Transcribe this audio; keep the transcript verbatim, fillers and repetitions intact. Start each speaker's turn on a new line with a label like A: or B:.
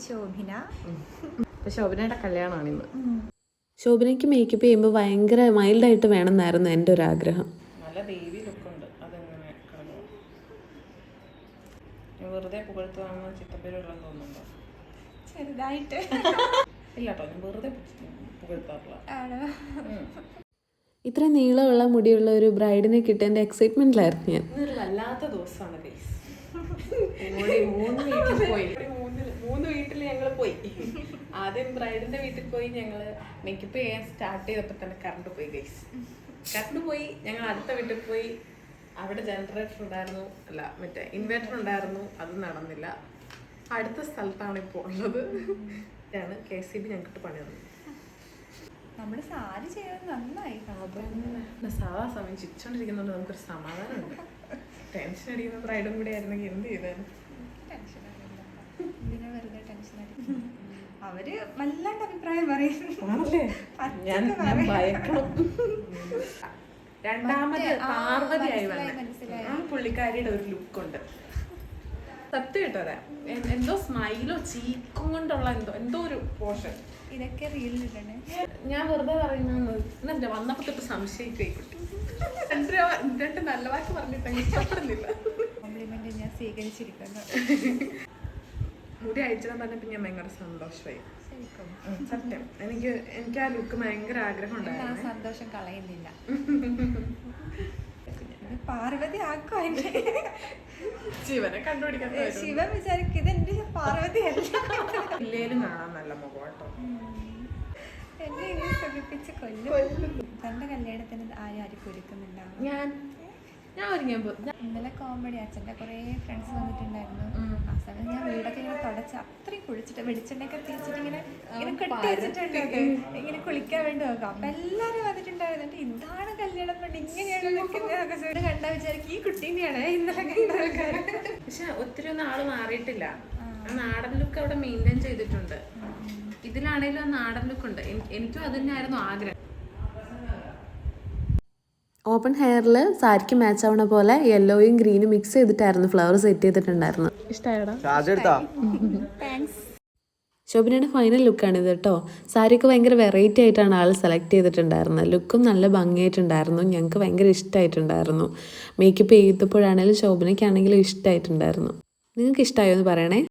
A: ശോഭിന.
B: ശോഭനയുടെ കല്യാണമാണ് ഇന്ന്.
C: ശോഭനയ്ക്ക് മേക്കപ്പ് ചെയ്യുമ്പോൾ ഭയങ്കര മൈൽഡായിട്ട് വേണമെന്നായിരുന്നു എൻ്റെ ഒരു ആഗ്രഹം.
B: നല്ല ബേബി ലുക്കുണ്ട്. അതെങ്ങനെ വെറുതെ പുകഴ്ത്തുവാണെന്ന് ചിത്തപ്പേരുള്ളതെന്ന് തോന്നുന്നുണ്ടോ?
A: ചെറുതായിട്ട്
B: ഇല്ല കേട്ടോ, ഞാൻ വെറുതെ പുകഴ്ത്താറില്ല.
C: ഇത്രയും നീളമുള്ള മുടിയുള്ള ഒരു ബ്രൈഡിനെ കിട്ടിയ എക്സൈറ്റ്മെന്റിലായിരുന്നു ഞാൻ.
B: ഇന്നൊരു വല്ലാത്ത ദിവസമാണ് ഗൈസ്. മൂന്ന് വീട്ടിൽ പോയി മൂന്ന് മൂന്ന് വീട്ടിൽ ഞങ്ങൾ പോയി. ആദ്യം ബ്രൈഡിന്റെ വീട്ടിൽ പോയി. ഞങ്ങൾ മേക്കപ്പ് ചെയ്യാൻ സ്റ്റാർട്ട് ചെയ്തപ്പോൾ തന്നെ കറണ്ട് പോയി ഗൈസ്. കറണ്ട് പോയി. ഞങ്ങൾ അടുത്ത വീട്ടിൽ പോയി. അവിടെ ജനറേറ്റർ ഉണ്ടായിരുന്നു, അല്ല മറ്റേ ഇൻവേർട്ടർ ഉണ്ടായിരുന്നു, അത് നടന്നില്ല. അടുത്ത സ്ഥലത്താണ് ഇപ്പോൾ ഉള്ളത്. ഇതാണ് കെ സി ബി ഞങ്ങൾക്ക് പണി തന്നു.
A: നമ്മള് സാരി ചെയ്തത് നന്നായി.
B: സാധാ സമയം ചിരിച്ചോണ്ടിരിക്കുന്നതുകൊണ്ട് നമുക്കൊരു സമാധാനമുണ്ട്. ടെൻഷൻ അടിക്കുന്ന ബ്രൈഡും കൂടെ ആയിരുന്നെങ്കിൽ എന്ത് ചെയ്താലും.
A: ഇതിനെ വെറുതെ ടെൻഷൻ അടിക്കും. അവര് വല്ലാണ്ട് അഭിപ്രായം പറയും.
B: രണ്ടാമത് പാർവതിയായി വന്ന ആ പുള്ളിക്കാരിയുടെ ഒരു ലുക്കുണ്ട്. സത്യം കേട്ടോരാ, എന്തോ സ്മൈലോ ചീക്കും കൊണ്ടുള്ള എന്തോ എന്തോ ഒരു പോഷൻ.
A: ഇതൊക്കെ റീലിലിടണേ.
B: ഞാൻ വെറുതെ പറയുന്ന വന്നപ്പോ തൊട്ട് സംശയിക്കുട്ടി. രണ്ട് നല്ല വാക്ക് പറഞ്ഞിട്ട് ഇഷ്ടപ്പെടുന്നില്ല.
A: കോംപ്ലിമെന്റ് ഞാൻ സ്വീകരിച്ചിരിക്കുന്നു.
B: മുടി അയച്ചിടാൻ പറഞ്ഞപ്പോൾ ഞാൻ ഭയങ്കര സന്തോഷമായി. സത്യം, എനിക്ക് എനിക്ക് ആ ലുക്ക് ഭയങ്കര ആഗ്രഹം ഉണ്ടായിരുന്നു.
A: സന്തോഷം കളയുന്നില്ല. പാർവതി ആക്കോ എന്നെ.
B: ശിവനെ കണ്ടുപിടിക്കാൻ
A: ശിവൻ വിചാരിക്കും ഇതെന്റെ പാർവതി അല്ല.
B: ഇല്ലേലും കാണാൻ നല്ല മുഖം കേട്ടോ.
A: എന്നെ ഇങ്ങനെ സുഖിപ്പിച്ച് കൊല്ലും. തന്റെ കല്യാണത്തിന് ആരും ആരും ഒരുക്കുന്നുണ്ടാവും.
B: ഞാൻ ഞാൻ ഒരുങ്ങിയപ്പോ
A: ഇന്നലെ കോമഡി അച്ഛൻ്റെ കുറേ ഫ്രണ്ട്സ് വന്നിട്ടുണ്ടായിരുന്നു. ആ സമയം ഞാൻ വീടൊക്കെ ഇങ്ങനെ തുടച്ച് അത്രയും കുളിച്ചിട്ട് വെളിച്ചെണ്ണയൊക്കെ തേച്ചിട്ട് ഇങ്ങനെ ഇങ്ങനെ കെട്ടി വെച്ചിട്ടുണ്ട്. ഇങ്ങനെ കുളിക്കാൻ വേണ്ടി നോക്കാം. അപ്പൊ എല്ലാരും വന്നിട്ടുണ്ടായിരുന്നു. ഇതാണ് കല്യാണം കൊണ്ട് ഇങ്ങനെയാണ് നിൽക്കുന്നത് കണ്ടാ വിചാരിക്കും ഈ കുട്ടീനെയാണ് ഇന്നലെ കണ്ട ആൾക്കാർ.
B: പക്ഷെ ഒത്തിരി ഒന്നും ആള് മാറിയിട്ടില്ല. നാടൻ ലുക്ക് അവിടെ മെയിൻറ്റെയിൻ ചെയ്തിട്ടുണ്ട്. ഇതിലാണേലും ആ നാടൻ ലുക്ക് ഉണ്ട്. എനിക്കും അത് തന്നെയായിരുന്നു ആഗ്രഹം.
C: ഓപ്പൺ ഹെയറിൽ സാരിക്ക് മാച്ച് ആവണ പോലെ യെല്ലോയും ഗ്രീനും മിക്സ് ചെയ്തിട്ടായിരുന്നു ഫ്ലവർ സെറ്റ് ചെയ്തിട്ടുണ്ടായിരുന്നു.
B: ഇഷ്ടമായടാ.
C: ശോഭനയുടെ ഫൈനൽ ലുക്കാണിത് കേട്ടോ. സാരിയൊക്കെ ഭയങ്കര വെറൈറ്റി ആയിട്ടാണ് ആൾ സെലക്ട് ചെയ്തിട്ടുണ്ടായിരുന്നത്. ലുക്കും നല്ല ഭംഗിയായിട്ടുണ്ടായിരുന്നു. ഞങ്ങൾക്ക് ഭയങ്കര ഇഷ്ടമായിട്ടുണ്ടായിരുന്നു. മേക്കപ്പ് ചെയ്തപ്പോഴാണെങ്കിലും ശോഭനയ്ക്കാണെങ്കിലും ഇഷ്ടമായിട്ടുണ്ടായിരുന്നു. നിങ്ങൾക്ക് ഇഷ്ടമായോ എന്ന് പറയണേ.